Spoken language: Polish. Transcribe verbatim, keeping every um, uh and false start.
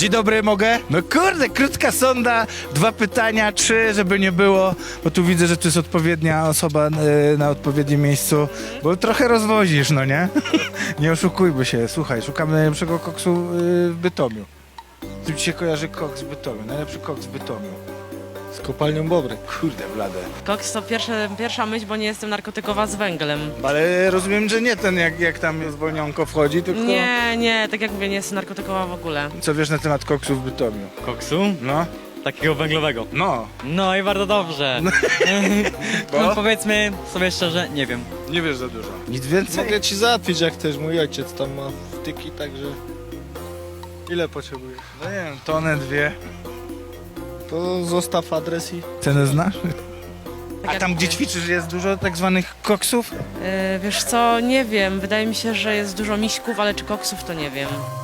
Dzień dobry, mogę? No kurde, krótka sonda, dwa pytania, trzy, żeby nie było, bo tu widzę, że tu jest odpowiednia osoba y, na odpowiednim miejscu, bo trochę rozwozisz, no nie? Nie oszukujmy się, słuchaj, szukamy najlepszego koksu y, w Bytomiu. Z czym ci się kojarzy koks w Bytomiu? Najlepszy koks w Bytomiu. Z kopalnią Bobry. Kurde, blade. Koks to pierwsze, pierwsza myśl, bo nie jestem narkotykowa z węglem. Ale rozumiem, że nie ten, jak, jak tam zwolnionko wchodzi, tylko... Nie, nie, tak jak mówię, nie jestem narkotykowa w ogóle. Co wiesz na temat koksu w Bytomiu? Koksu? No, Takiego węglowego. no, No i bardzo dobrze. Bo? No, powiedzmy sobie szczerze, nie wiem. nie wiesz za dużo. Nic więcej? Mogę ci załatwić jak chcesz, mój ojciec tam ma wtyki, także... Ile potrzebujesz? No nie wiem, tonę, dwie. To zostaw adres i... Cenę znasz? Tak A jak tam, gdzie mówię. ćwiczysz, jest dużo tak zwanych koksów? Yy, wiesz co, nie wiem, wydaje mi się, że jest dużo miśków, ale czy koksów to nie wiem.